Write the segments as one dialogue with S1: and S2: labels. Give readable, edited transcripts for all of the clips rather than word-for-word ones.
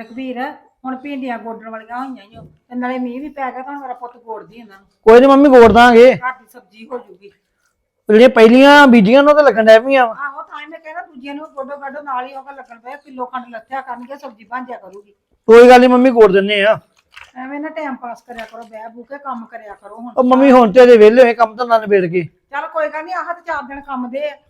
S1: ਰਘਬੀਰ ਹੁਣ ਭਿੰਡੀਆਂ ਗੋਡਣ ਵਾਲੀਆਂ ਹੋਈਆਂ ਈ ਓ ਤੇ ਨਾਲੇ ਮੀਂਹ ਵੀ ਪੈ ਗਿਆ ਤਾਂ ਹੁਣ ਮੇਰਾ ਪੁੱਤ ਗੋੜਦੀ ਇਹਨਾਂ ਨੂੰ
S2: ਕੋਈ ਨਹੀਂ ਮੰਮੀ ਗੋੜ ਦਾਂਗੇ।
S1: ਘਰ ਦੀ ਸਬਜ਼ੀ ਹੋ ਜੂਗੀ।
S2: ਜਿਹੜੀਆਂ ਪਹਿਲੀਆਂ ਬੀਜੀਆਂ ਨੂੰ ਤਾਂ ਲੱਗਣ ਡੈ ਪਈਆਂ ਵਾ।
S1: ਆਹੋ ਤਾਂ ਹੀ ਮੈਂ ਕਹਿੰਦਾ ਦੂਜੀਆਂ ਨੂੰ ਗੋਡੋ ਗਾਡੋ ਨਾਲ ਹੀ ਉਹ ਲੱਗਣ ਪਿਆ ਕਿਲੋ ਖੰਡ ਲੱਥਿਆ ਕਰਨਗੇ ਸਬਜ਼ੀ ਬਣ ਜਾ ਕਰੂਗੀ।
S2: ਕੋਈ ਗੱਲ ਨਹੀਂ ਮੰਮੀ ਗੋੜ ਦਿੰਨੇ ਆ।
S1: ਐਵੇਂ ਨਾ ਟਾਈਮ ਪਾਸ ਕਰਿਆ ਕਰੋ ਬਹਿ ਬੂ ਕੇ ਕੰਮ ਕਰਿਆ ਕਰੋ ਹੁਣ।
S2: ਉਹ ਮੰਮੀ ਹੁਣ ਤੇ ਅਜੇ ਵਿਹਲੇ ਹੋਏ ਕੰਮ ਧੰਦਾ ਨਿਬੇੜ ਕੇ।
S1: ਚੱਲ ਕੋਈ ਗੱਲ ਨਹੀਂ ਆਹ ਤੇ 4 ਦਿਨ ਕੰਮ ਦੇ ਆ।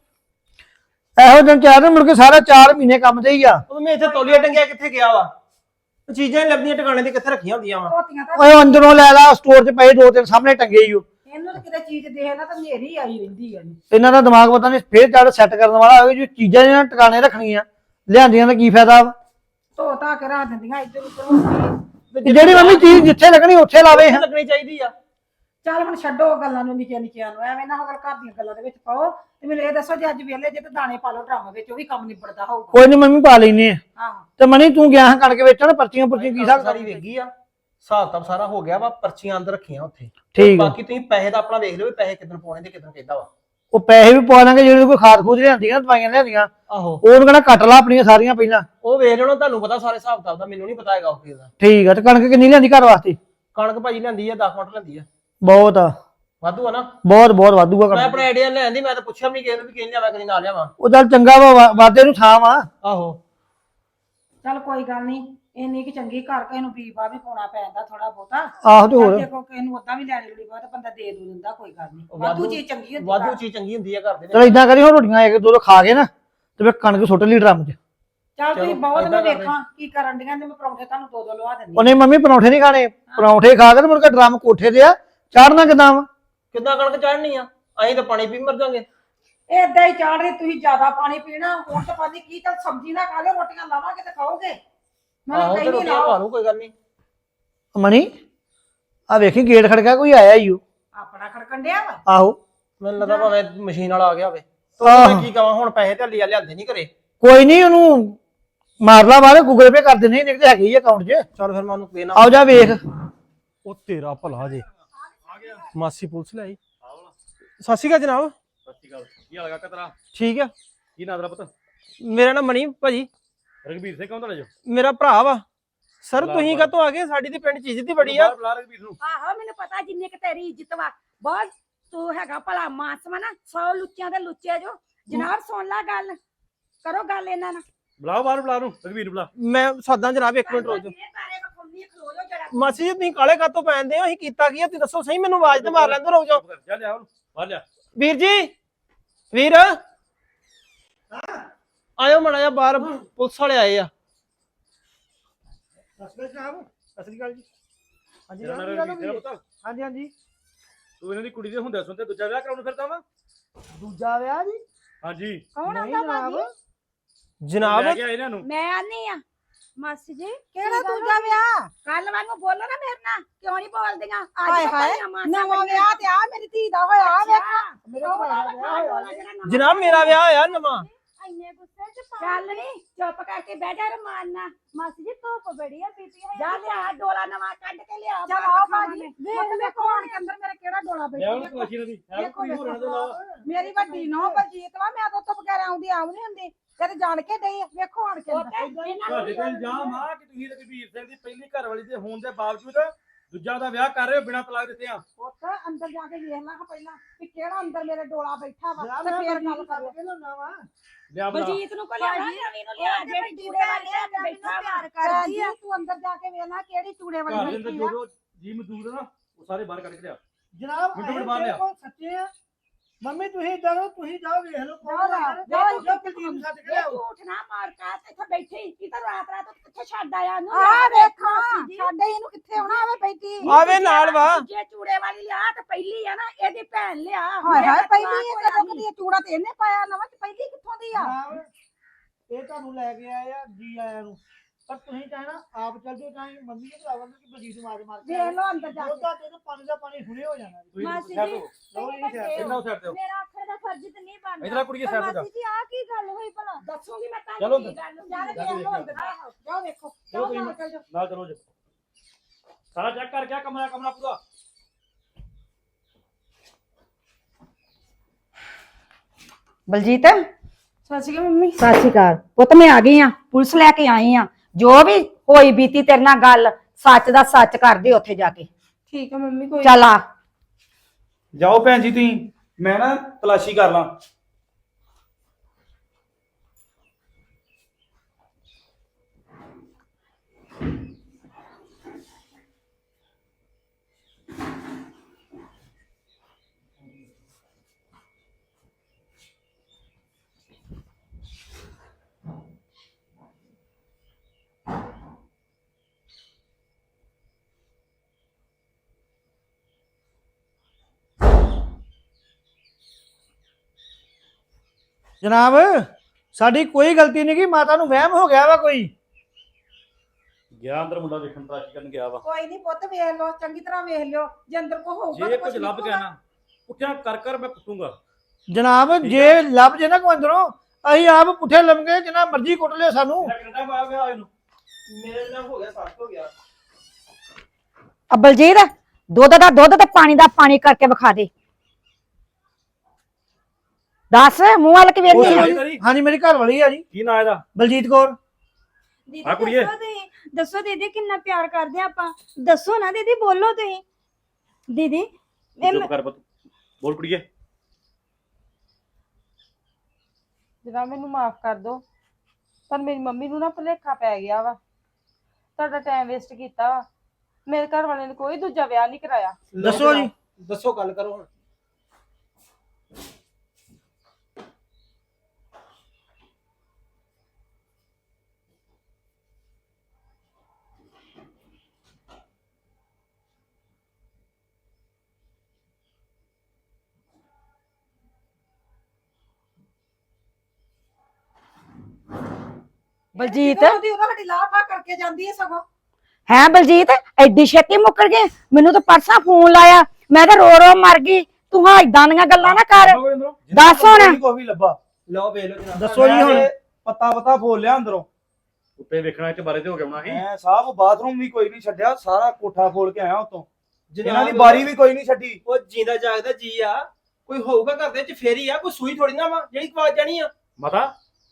S2: ਇਹੋ ਦਿਨ 4 ਦਿਨ ਮੁੜ ਕੇ ਸਾਰਾ 4 ਮਹੀਨੇ ਕੰਮ ਦੇ ਹੀ ਆ।
S3: ਉਹ ਮੈਂ ਇੱਥੇ ਤੌਲੀਆ ਟੰਗਿਆ ਕਿੱਥੇ ਗਿਆ ਵਾ ਚੀਜ਼ਾਂ ਲੱਭਦੀਆਂ ਟਿਕਾਣੇ ਤੇ ਕਿੱਥੇ ਰੱਖੀਆਂ ਹੁੰਦੀਆਂ ਵਾ।
S1: ਧੋਤੀਆਂ ਤਾਂ
S2: ਓਏ ਅੰਦਰੋਂ ਲੈ ਲਾ ਸਟੋਰ 'ਚ ਪਏ 2-3 ਸਾਹਮਣੇ ਟੰਗੇ ਹੀ ਉਹ।
S1: ਇਹਨੂੰ ਤਾਂ ਕਿਤੇ ਚੀਜ਼ ਦੇਖ ਲਾ ਤਾਂ ਨੇਰੀ ਆਈ ਰਹਿੰਦੀ ਆ।
S2: ਇਹਨਾਂ ਦਾ ਦਿਮਾਗ ਪਤਾ ਨਹੀਂ ਫੇਰ ਚੜ ਸੈੱਟ ਕਰਨ ਵਾਲਾ ਹੋਵੇ ਜੋ ਚੀਜ਼ਾਂ ਇਹਨਾਂ ਟਿਕਾਣੇ ਰੱਖਣੀਆਂ ਲਿਆਂਦੀਆਂ ਦਾ ਕੀ ਫਾਇਦਾ ਵਾ।
S1: ਧੋ ਧਾ ਕੇ ਰੱਖ ਦਿੰਦੀਆਂ ਇੱਧਰ ਉੱਧਰ ਹੁੰਦੀ।
S2: ਤੇ ਜਿਹੜੀ ਮੰਮੀ ਚੀਜ਼ ਜਿੱਥੇ ਲੱਗਣੀ ਉੱਥੇ ਲਾਵੇ।
S3: ਲੱਗਣੀ ਚਾਹੀਦੀ ਆ।
S1: ਚੱਲ ਹੁਣ ਛੱਡੋ ਗੱਲਾਂ ਨੂੰ ਨਿੱਕੀਆਂ ਨਿੱਕੀਆਂ ਨੂੰ ਐਵੇਂ ਨਾ ਹੋ ਘਰ ਦੀਆਂ ਗੱਲਾਂ ਦੇ ਵਿੱਚ ਪਾਓ ਤੇ ਮੈਨੂੰ ਇਹ ਦੱਸੋ ਜੇ ਅੱਜ ਵੇਲੇ ਜੇ ਤੇ ਦਾਣੇ ਪਾ ਲਓ ਡਰਮ ਵਿੱਚ ਉਹ ਵੀ ਕੰਮ ਨਿਬੜਦਾ ਹੋਊਗਾ।
S2: ਕੋਈ ਨਹੀਂ ਮੰਮੀ ਪਾ ਲੈਨੇ ਆ।
S1: ਆਹੋ
S2: ਤੇ ਮਣੀ ਤੂੰ ਗਿਆ ਹਾਂ ਕਣਕ ਵੇਚਣ ਪਰਚੀਆਂ ਪੁਰਚੀਆਂ ਕੀ ਹਿਸਾਬ
S3: ਸਾਰੀ ਵੇਖੀ ਆ ਹਿਸਾਬ ਤਾਂ ਸਾਰਾ ਹੋ ਗਿਆ ਵਾ ਪਰਚੀਆਂ ਅੰਦਰ ਰੱਖੀਆਂ ਉੱਥੇ।
S2: ਠੀਕ ਆ।
S3: ਬਾਕੀ ਤੁਸੀਂ ਪੈਸੇ ਦਾ ਆਪਣਾ ਵੇਖ ਲਿਓ ਵੀ ਪੈਸੇ ਕਿੱਦਣ ਪਾਉਣੇ ਤੇ ਕਿੱਦਣ ਕਹਿੰਦਾ ਵਾ।
S2: ਉਹ ਪੈਸੇ ਵੀ ਪਵਾ ਲਾਂਗੇ ਜਿਹੜੇ ਕੋਈ ਖਾਦ ਖੂਦ ਲਿਆਂਦੀਆਂ ਦਵਾਈਆਂ ਲਿਆਂਦੀਆਂ
S3: ਆਹੋ
S2: ਉਹਨੂੰ ਕਹਿੰਦਾ ਕੱਟ ਲਾ ਆਪਣੀਆਂ ਸਾਰੀਆਂ ਪਹਿਲਾਂ।
S3: ਉਹ ਵੇਖ ਲੈਣਾ ਤੁਹਾਨੂੰ ਪਤਾ ਸਾਰੇ ਹਿਸਾਬ ਕਿਤਾਬ ਦਾ ਮੈਨੂੰ ਨਹੀਂ ਪਤਾ ਹੈਗਾ ਉਹ ਕਿਹਦਾ।
S2: ਠੀਕ ਆ। ਤੇ ਕਣਕ ਕਿੰਨੀ ਲਿਆਂਦੀ ਘਰ ਵਾਸਤੇ?
S3: ਕਣਕ ਭਾਜੀ ਲੈਂਦੀ ਆ 10 ਕੁਇੰਟਲ ਲੈਂਦੀ ਆ।
S2: ਬਹੁਤ ਆ।
S3: ਵਾਧੂ ਆ ਨਾ।
S2: ਬਹੁਤ ਵਾਧੂਗਾ
S3: ਮੈਂ
S2: ਕਣਕ।
S3: ਆਪਣਾ ਆਈਡੀਆ ਲੈਂਦੀ ਮੈਂ ਤਾਂ ਪੁੱਛਿਆ ਵੀ ਨਹੀਂ ਕਿਸੇ ਨੂੰ ਵੀ ਕਿਹਨੇ ਲਿਆਵਾ ਕਦੀ ਨਾ ਲਿਆਵਾ।
S2: ਉਹ ਚੱਲ ਚੰਗਾ ਵਾ ਵਾਧੇ ਨੂੰ ਥਾਂ ਵਾ।
S3: ਆਹੋ
S1: ਚੱਲ ਕੋਈ ਗੱਲ ਨਹੀਂ ਇੰਨੀ ਕਿ ਚੰਗੀ ਘਰ ਕਿਸੇ ਨੂੰ ਬੀਬਾ ਵੀ ਪਾਉਣਾ ਪੈਂਦਾ ਥੋੜਾ ਬਹੁਤਾ।
S2: ਆਹੋ ਤੇ ਹੋਰ
S1: ਦੇਖੋ ਕਿਸੇ ਨੂੰ ਉਦਾਂ ਵੀ ਲੈਣੀ ਲੂਣੀ ਬਹੁਤ ਬੰਦਾ ਦੇ ਦੂ ਦਿੰਦਾ ਕੋਈ ਗੱਲ ਨਹੀਂ। ਵਾਧੂ ਚੀਜ਼ ਚੰਗੀ ਹੁੰਦੀ
S3: ਵਾਧੂ
S1: ਘਰ।
S3: ਚੀਜ਼ ਚੰਗੀ ਹੁੰਦੀ ਆ ਘਰ ਦੇ
S2: ਚਲ
S3: ਵਿੱਚ।
S2: ਇਦਾਂ ਕਰੀ ਹੁਣ ਰੋਟੀਆਂ ਇੱਕ ਦੋ ਖਾ ਕੇ ਨਾ ਤੇ ਫਿਰ ਕਣਕ ਸੁੱਟ ਲਈ ਡਰਮ 'ਚ।
S1: ਚੱਲ ਤੁਸੀਂ
S3: ਚਲੋ,
S1: ਬਹੁਤ ਮੈਂ
S3: ਏਦਾਂ ਕਰ
S1: ਵੇਖਾਂ ਕੀ ਕਰਨ ਦੀਆਂ ਤੇ ਮੈਂ ਪਰੌਂਠੇ ਤੁਹਾਨੂੰ ਦੋ ਦੋ ਲਵਾ ਦਿੰਦੀ।
S2: ਉਹਨੇ ਮੰਮੀ ਪਰੌਂਠੇ ਨਹੀਂ ਖਾਣੇ ਪਰੌਂਠੇ ਖਾ ਕੇ ਤੇ ਮੁੜ ਕੇ ਡਰਮ ਕੋਠੇ ਤੇ ਆ ਚਾੜਨਾ ਕਿਦਾਂ ਵਾ।
S3: ਕਿੱਦਾਂ ਕਣਕ ਚੜਨੀ ਆ ਅਸੀਂ ਤਾਂ ਪਾਣੀ ਪੀ ਮਰ ਜਾਾਂਗੇ।
S1: ਏਦਾਂ ਹੀ ਚਾੜ ਰਹੀ ਤੁਸੀਂ ਜ਼ਿਆਦਾ ਪਾਣੀ ਪੀਣਾ ਹੁਣ ਤਾਂ ਪਾਣੀ ਕੀ ਚੱਲ ਸਬਜ਼ੀ ਨਾ ਖਾ ਲਿਓ ਰੋਟੀਆਂ ਲਾਵਾਂਗੇ ਤੇ ਖਾਓਗੇ। ਮੈਂ
S3: ਆਹੋ ਤੇ
S1: ਕਹਿੰਦੀ
S3: ਰੋਟੀਆਂ
S1: ਲਾਓ
S3: ਪਾ ਲੂ ਕੋਈ ਗੱਲ ਨਹੀਂ।
S2: ਮਣੀ ਆ ਵੇਖੀ ਗੇਟ ਖੜਕਾ ਕੋਈ ਆਇਆ ਈ ਉਹ।
S1: ਆਪਣਾ ਖੜਕਣ ਡਿਆ ਵਾ।
S2: ਆਹੋ
S3: ਮੈਨੂੰ ਲੱਗਾ ਭਾਵੇਂ ਮਸ਼ੀਨ ਵਾਲਾ ਆ ਗਿਆ ਹੋਵੇ।
S2: ਆਹੋ।
S3: ਮੈਂ ਕੀ ਕਹਾਂ ਹੁਣ ਪੈਸੇ ਢੱਲੀ ਆ ਲਿਆਂਦੇ ਨਹੀਂ ਘਰੇ।
S2: ਕੋਈ ਨਹੀਂ ਉਹਨੂੰ ਮਾਰ ਲਾ ਬਾਹਰ ਗੂਗਲ ਪੇ ਕਰ ਦਿੰਦੇ ਨਹੀਂ ਤੇ ਹੈਗੇ ਹੀ ਅਕਾਊਂਟ 'ਚ।
S3: ਚੱਲ ਫਿਰ ਮੈਂ ਉਹਨੂੰ ਦੇਣਾ।
S2: ਆਓ ਜਾ ਵੇਖ।
S3: ਉਹ ਤੇਰਾ ਭਲਾ ਜੇ ਮਾਸੀ ਪੁਲਿਸ ਲਈ ਸਤਿ ਸ਼੍ਰੀ ਅਕਾਲ ਜਨਾਬ।
S4: ਸਤਿ ਸ਼੍ਰੀ ਅਕਾਲ। ਕੀ ਹਾਲ ਹੈ ਕਾਕਾ ਤੇਰਾ?
S3: ਠੀਕ ਆ।
S4: ਕੀ ਨਾਂ ਤੇਰਾ ਪੁੱਤ?
S3: ਮੇਰਾ ਨਾਮ ਮਣੀ ਭਾਜੀ।
S4: ਰਘਬੀਰ ਸਿੰਘ ਕੌਣ ਤੁਹਾਡਾ ਜੋ?
S3: ਮੇਰਾ ਭਰਾ ਵਾ। ਸਰ
S4: ਬੁਲਾ,
S3: ਤੁਸੀਂ
S4: ਬੁਲਾ।
S3: ਕਾਹਤੋਂ ਆ ਗਏ? ਸਾਡੀ ਤੇ ਪਿੰਡ ਚ ਇੱਜ਼ਤ ਹੀ ਬੜੀ ਆ।
S4: ਬੁਲਾ ਰਘਬੀਰ ਨੂੰ।
S5: ਆਹੋ ਮੈਨੂੰ ਪਤਾ ਜਿੰਨੇ ਕਿ ਤੇਰੀ ਇੱਜ਼ਤ ਵਾ ਬਹੁਤ ਤੂੰ ਹੈਗਾ ਭਲਾ ਮਾਸ ਵਾ ਨਾ 100 ਲੁੱਚਿਆਂ ਦੇ ਲੁੱਚੇ ਜੋ। ਜਨਾਬ ਸੁਣ ਲੈ ਗੱਲ ਕਰੋ ਗੱਲ ਇਹਨਾਂ ਨਾਲ।
S4: ਬੁਲਾਓ ਬਾਹਰ ਬੁਲਾ ਨੂੰ ਰਘਬੀਰ ਨੂੰ ਬੁਲਾ।
S3: ਮੈਂ ਸਾਦਾ ਜਨਾਬ ਇੱਕ ਮਿੰਟ ਰੁਕ ਜਾਓ।
S5: ਇਹ ਤਾਰੇ ਵਖਾਉਣੀ ਖਲੋ ਜਾਓ ਜਰਾ।
S3: ਮਾਸੀ ਜੀ ਤੁਸੀਂ ਕਾਲੇ ਕਾਤੋਂ ਪੈਂਦੇ ਹੋ? ਅਸੀਂ ਕੀਤਾ ਕੀ ਆ? ਤੁਸੀਂ ਦੱਸੋ ਸਹੀ ਮੈਨੂੰ ਆਵਾਜ਼ ਤੇ ਮਾਰ ਲੈਂਦੇ ਰੁਕ ਜਾਓ।
S4: ਜਾ ਲਿਆ ਉਹਨੂੰ ਬਾਹਰ ਲਿਆ।
S3: ਵੀਰ ਜੀ ਵੀਰ ਆਇਓ ਮੜਾ ਜਾ ਬਾਹਰ ਪੁਲਿਸ ਵਾਲੇ ਆਏ ਆ।
S2: ਅਸਲੀ ਗੱਲ ਜੀ। ਹਾਂਜੀ
S4: ਤੇਰਾ ਨਾਂ ਰਘਬੀਰ ਤੇਰਾ ਪੁੱਤ?
S2: ਹਾਂਜੀ ਹਾਂਜੀ।
S4: ਤੂੰ ਇਹਨਾਂ ਦੀ ਕੁੜੀ ਦੇ ਹੁੰਦੇ ਸੁਣਦੇ ਦੂਜਾ ਵਿਆਹ ਕਰਾਉਣ ਫਿਰਦਾ ਵਾ?
S2: ਦੂਜਾ ਵਿਆਹ ਜੀ?
S4: ਹਾਂਜੀ
S5: ਕੌਣ
S2: ਨਹੀਂ
S5: ਆਉਂਦਾ
S2: ਜਨਾਬ।
S5: ਬਾਜੀ?
S3: ਜਨਾਬ
S4: ਲੈ ਕੇ ਆਏ ਇਹਨਾਂ ਨੂੰ।
S5: ਮੈਂ ਆਨੀ ਆ ਮਾਸੀ ਜੀ
S1: ਕਿਹੜਾ ਦੂਜਾ ਵਿਆਹ?
S5: ਕੱਲ ਵਾਂਗੂ ਬੋਲੋ ਨਾ ਮੇਰੇ ਨਾਲ ਕਿਉਂ ਨਹੀਂ ਬੋਲਦੀਆਂ
S1: ਹਾਏ ਹਾਏ ਨਵਾਂ ਵਿਆਹ ਤੇ ਆ ਮੇਰੀ ਧੀ ਦਾ ਹੋਇਆ ਵੇਖ।
S2: ਮੇਰੇ ਕੋਲ ਵਿਆਹ
S3: ਜਨਾਬ ਮੇਰਾ ਵਿਆਹ ਹੋਇਆ ਨਵਾਂ।
S5: ਇੰਨੇ ਗੁੱਸੇ ਚ ਚੱਲ ਨਹੀਂ ਚੁੱਪ ਕਰਕੇ ਬਹਿ ਜਾ ਰਮਾਨ ਨਾਲ ਮਾਸੀ ਜੀ ਧੁੱਪ ਬੜੀ ਆ ਬੀਬੀ ਹੈ ਜਾ ਲਿਆ ਡੋਲਾ ਨਵਾਂ ਕੱਢ ਕੇ ਲਿਆ
S1: ਚੱਲ ਆਓ ਬਾਜੀ ਵੇਖ ਵੇਖੋ ਹੁਣ ਕੇ ਅੰਦਰ ਮੇਰੇ ਕਿਹੜਾ ਡੋਲਾ
S4: ਲੈ ਉਹਨੂੰ
S1: ਬੈਠਾ।
S4: ਕਲਾਸ਼ੀ ਇਹਨਾਂ ਦੀ ਹੈ
S1: ਦੇਖੋ
S4: ਕੋਈ ਹੋਰ ਇਹਨਾਂ ਦੇ ਇਲਾਵਾ।
S1: ਮੇਰੀ ਵੱਡੀ ਨੌ ਬਲਜੀਤ ਵਾ ਮੈਂ ਤਾਂ ਤੋਂ ਬਗੈਰ ਆਉਂਦੀ ਆਉ ਨਹੀਂ ਹੁੰਦੀ ਤੇਰੇ ਜਾਣ ਕੇ ਡਈ ਆ। ਵੇਖੋ ਹੁਣ ਕੇ
S4: ਤੁਹਾਡੇ ਤੇ ਇਲਜ਼ਾਮ ਆ ਕਿ ਤੁਸੀਂ ਰਘਬੀਰ ਸਿੰਘ ਦੀ ਪਹਿਲੀ ਘਰ ਵਾਲੀ ਦੇ ਹੋਣ ਦੇ ਬਾਵਜੂਦ ਦੂਜਾ ਦਾ ਵਿਆਹ ਕਰ ਰਹੇ ਹੋ ਬਿਨਾਂ ਤਲਾਕ ਦਿੱਤੇ ਆ।
S1: ਪੁੱਤ ਅੰਦਰ ਜਾ ਕੇ ਵੇਖ ਲਾ ਪਹਿਲਾਂ ਕਿ ਕਿਹੜਾ ਅੰਦਰ ਮੇਰੇ ਡੋਲਾ ਬੈਠਾ ਵਾ ਤੇ ਫੇਰ ਗੱਲ ਕਰ
S4: ਲਿਆ ਬੁਲਾ।
S5: ਬਲਜੀਤ ਨੂੰ ਕੋ ਲਿਆ ਨਵੀਂ ਨੂੰ ਲਿਆ ਜਿਹੜੀ ਚੂੜੇ ਵਾਲੀ ਲੈ ਕੇ ਬੈਠਾ ਵਾ
S1: ਕਰਦੀ ਆ ਤੂੰ ਅੰਦਰ ਜਾ ਕੇ ਵੇਖ ਲੈ ਕਿਹੜੀ ਚੂੜੇ
S4: ਘਰ ਦੇ
S1: ਵਾਲੀ
S4: ਅੰਦਰ
S1: ਬੈਠੀ
S4: ਜੋ
S1: ਆ।
S4: ਜੋ ਜੀ ਮਜ਼ਦੂਰ ਆ ਨਾ ਉਹ ਸਾਰੇ ਬਾਹਰ ਕੱਢ ਕੇ ਲਿਆ।
S2: ਜਨਾਬ
S4: ਮਿੰਟੋ ਮਿੰਟ ਬਾਹਰ ਲਿਆ।
S2: ਸੱਚੇ ਆ ਮੰਮੀ ਤੁਸੀਂ ਜਾਓ ਤੁਸੀਂ ਜਾਓ ਵੇਖ ਲਓ
S1: ਜਾਓ ਨਾ,
S2: ਜਾਓ ਕੁਲਦੀਪ ਛੱਡ ਕੇ
S5: ਇਹ
S2: ਲਿਆਓ।
S5: ਝੂਠ ਨਾ ਮਾਰ ਕਾ ਇੱਥੇ ਬੈਠੀ ਕੀ ਤਾਂ ਰਾਤ ਕਿੱਥੇ ਛੱਡ ਆਇਆ ਨੂੰ
S1: ਆ ਵੇਖਾਂ ਸਾਡੇ ਇਹਨੂੰ ਕਿੱਥੇ ਆਉਣਾ ਆਵੇ ਬੈਠੀ
S3: ਆਵੇ ਨਾਲ ਵਾ।
S5: ਜੇ ਚੂੜੇ ਵਾਲੀ ਲਿਆ ਤੇ ਪਹਿਲੀ ਆ ਨਾ ਇਹਦੀ ਭੈਣ ਲਿਆ
S1: ਹਾਏ ਹਾਏ ਪਹਿਲੀ ਇਹ ਕਦੋਂ ਕਦੀ ਚੂੜਾ ਤੇ ਇਹਨੇ ਪਾਇਆ ਨਵਾਂ ਤੇ ਪਹਿਲੀ ਕਿੱਥੋਂ ਦੀ ਆ?
S2: ਜਨਾਬ ਇਹ ਤੁਹਾਨੂੰ ਲੈ ਕੇ ਆਏ ਆ ਜੀ ਆਇਆਂ ਨੂੰ ਪਰ ਤੁਸੀਂ ਚਾਹਣਾ ਆਪ ਚੱਲ ਜਾਓ ਚਾਹੇ ਮੰਮੀ ਨੂੰ ਬੁਲਾਵਾਂਗੇ ਕਿ ਬਲਜੀਤ ਨੂੰ ਮਾਰ ਕੇ
S1: ਵੇਖ ਲਓ ਅੰਦਰ ਜਾ ਕੇ।
S2: ਉਹਦਾ ਤੇ ਪਾਣੀ ਦਾ ਪਾਣੀ ਹੁਣੇ ਹੋ ਜਾਣਾ।
S4: ਤੁਸੀਂ
S5: ਮਾਸੀ
S4: ਛੱਡ
S5: ਜੀ
S4: ਦਿਓ।
S2: ਲਓ ਇਹ ਛੱਡ
S4: ਇਹਨਾਂ ਨੂੰ ਛੱਡ ਦਿਓ।
S5: ਮੇਰਾ ਆਖਰ ਦਾ ਫਰਜ਼ ਤੇ ਨਹੀਂ ਬਣਦਾ
S4: ਇਧਰ ਕੁੜੀਏ ਸਾਈਡ ਤੇ ਜਾ।
S5: ਮਾਸੀ ਜੀ ਆ ਕੀ ਗੱਲ ਹੋਈ ਭਲਾ ਦੱਸੂਗੀ ਮੈਂ
S4: ਚਲੋ
S5: ਤੁਹਾਨੂੰ ਕੀ ਗੱਲ ਹੋਈ।
S1: ਜਾ ਵੇਖ ਲਓ ਅੰਦਰ ਜਾਓ ਵੇਖੋ
S4: ਚਲੋ
S1: ਜਾਓ
S4: ਤੁਸੀਂ
S1: ਨਾਲ ਚੱਲ ਜਾਓ।
S4: ਨਾਲ ਚਲੋ ਜੀ। ਸਾਰਾ ਚੈੱਕ ਕਰ ਗਿਆ ਕਮਰਾ ਪੂਰਾ।
S1: ਬਲਜੀਤ
S5: ਸਤਿ ਸ਼੍ਰੀ ਅਕਾਲ ਮੰਮੀ।
S1: ਸਤਿ ਸ਼੍ਰੀ ਅਕਾਲ ਪੁੱਤ ਮੈਂ ਆ ਗਈ ਆ ਪੁਲਿਸ ਲੈ ਕੇ ਆਈ ਆ ਜੋ ਵੀ
S5: ਹੋਈ ਬੀਤੀ ਤੇਰੇ ਨਾਲ ਗੱਲ ਸੱਚ ਦਾ ਸੱਚ ਕਰਦੇ ਉੱਥੇ ਜਾ ਕੇ।
S6: ਠੀਕ ਆ ਮੰਮੀ ਕੋਈ
S5: ਚੱਲ ਆ।
S4: ਜਾਓ ਭੈਣ ਜੀ ਤੁਸੀਂ, ਮੈਂ ਨਾ ਤਲਾਸ਼ੀ ਕਰ ਲਾਂ।
S2: ਜਨਾਬ ਸਾਡੀ ਕੋਈ ਗਲਤੀ ਨਹੀਂ, ਕਿ ਮਾਤਾ ਨੂੰ ਵਹਿਮ ਹੋ ਗਿਆ ਵਾ ਕੋਈ।
S4: ਗਿਆ ਅੰਦਰ ਮੁੰਡਾ ਵੇਖਣ ਤਲਾਸ਼ੀ ਕਰਨ ਗਿਆ ਵਾ।
S1: ਕੋਈ ਨਹੀਂ ਪੁੱਤ ਵੇਖ ਲਓ, ਚੰਗੀ ਤਰ੍ਹਾਂ ਵੇਖ ਲਿਓ, ਜੇ ਅੰਦਰ ਕੋ ਹੋਊਗਾ
S4: ਜੇ
S1: ਤਾਂ
S4: ਕੁਝ ਲੱਭ ਗਿਆ ਨਾ ਉੱਠਿਆ ਕਰ ਮੈਂ ਕੁੱਟੂਗਾ।
S2: ਜਨਾਬ ਜੇ ਲੱਭ ਜੇ ਨਾ ਕੋਈ ਅੰਦਰੋਂ, ਅਸੀਂ ਆਪ ਪੁੱਠੇ ਲੰਮਗੇ, ਜਿੰਨਾ ਮਰਜ਼ੀ ਕੁੱਟ ਲਿਓ ਸਾਨੂੰ।
S4: ਕੈਨੇਡਾ ਪਾਇਆ ਗਿਆ ਇਹਨੂੰ।
S6: ਮੇਰੇ ਨਾਲ ਹੋ ਗਿਆ ਸੱਟ ਹੋ ਗਿਆ।
S5: ਬਲਜੀਤ ਦੁੱਧ ਦਾ ਦੁੱਧ ਤੇ ਪਾਣੀ ਦਾ ਪਾਣੀ ਕਰਕੇ ਵਿਖਾ ਦੇ। ਦੱਸ ਮੂੰਹ ਵੱਲ ਕਿ ਵੇਖਦੀ ਆ?
S2: ਹਾਂਜੀ ਮੇਰੀ ਘਰ ਵਾਲੀ ਆ ਜੀ,
S4: ਕੀ ਨਾਂ ਇਹਦਾ?
S2: ਬਲਜੀਤ ਕੌਰ।
S6: ਦੀਦੀ
S4: ਹਾਂ ਕੁੜੀਏ।
S6: ਦੱਸੋ ਦੀਦੀ ਕਿੰਨਾ ਪਿਆਰ ਕਰਦੇ ਆ ਆਪਾਂ, ਦੱਸੋ ਨਾ ਦੀਦੀ, ਬੋਲੋ ਤੁਸੀਂ। ਦੀਦੀ
S4: ਚੁੱਪ ਕਰ ਪੁੱਤ, ਬੋਲ ਕੁੜੀਏ।
S7: ਜਨਾਬ ਮੈਨੂੰ ਮਾਫ ਕਰ ਦਿਓ, ਪਰ ਮੇਰੀ ਮੰਮੀ ਨੂੰ ਨਾ ਭੁਲੇਖਾ ਪੈ ਗਿਆ ਵਾ। ਤੁਹਾਡਾ ਟਾਈਮ ਵੇਸਟ ਕੀਤਾ ਵਾ। ਮੇਰੇ ਘਰ ਵਾਲੇ ਨੇ ਕੋਈ ਦੂਜਾ ਵਿਆਹ ਨਹੀਂ ਕਰਾਇਆ।
S2: ਦੱਸੋ ਜੀ।
S6: ਦੱਸੋ ਗੱਲ ਕਰੋ ਹੁਣ।
S5: ਬਲਜੀਤ
S1: ਉਹਦੀ ਉਹਦਾ ਸਾਡੀ ਲਾਫਾ ਕਰਕੇ ਜਾਂਦੀ ਹੈ ਸਗੋਂ।
S5: ਹੈ ਬਲਜੀਤ ਐਡੀ ਛੇਤੀ ਮੁੱਕਰ ਗਏ? ਮੈਨੂੰ ਤਾਂ ਪਰਸਾ ਫੋਨ ਲਾਇਆ, ਮੈਂ ਤਾਂ ਰੋ ਰੋ ਮਰ ਗਈ। ਤੂੰ ਹਾਂ ਇਦਾਂ ਦੀਆਂ ਗੱਲਾਂ ਨਾ ਕਰ। ਦੱਸ ਹੁਣ।
S4: ਕੋਈ ਵੀ ਲੱਭਾ।
S6: ਲਓ ਵੇਖ ਲਓ ਜਨਾਬ।
S2: ਦੱਸੋ ਜੀ ਹੁਣ।
S4: ਪਤਾ ਫੋਲ ਲਿਆ ਅੰਦਰੋਂ। ਉੱਤੇ ਵੇਖਣਾ ਇੱਥੇ ਬਾਰੇ ਤੇ ਹੋ ਗਿਆ ਹੋਣਾ ਸੀ। ਮੈਂ ਸਾਹਬ ਬਾਥਰੂਮ ਵੀ ਕੋਈ ਨਹੀਂ ਛੱਡਿਆ, ਸਾਰਾ ਕੋਠਾ ਫੋਲ ਕੇ ਆਇਆ ਉਤੋਂ। ਇਹਨਾਂ ਦੀ ਬਾਰੀ ਵੀ ਕੋਈ ਨਹੀਂ ਛੱਡੀ।
S6: ਉਹ ਜਿੰਦਾ ਜਾਗਦਾ ਜੀ ਆ, ਕੋਈ ਹੋਊਗਾ ਘਰ ਦੇ ਵਿੱਚ ਫੇਰ ਹੀ ਆ, ਕੋਈ ਸੂਈ ਥੋੜੀ ਨਾ ਵਾ ਜਿਹੜੀ ਆਵਾਜ਼ ਜਾਣੀ ਆ।
S4: ਮਾਤਾ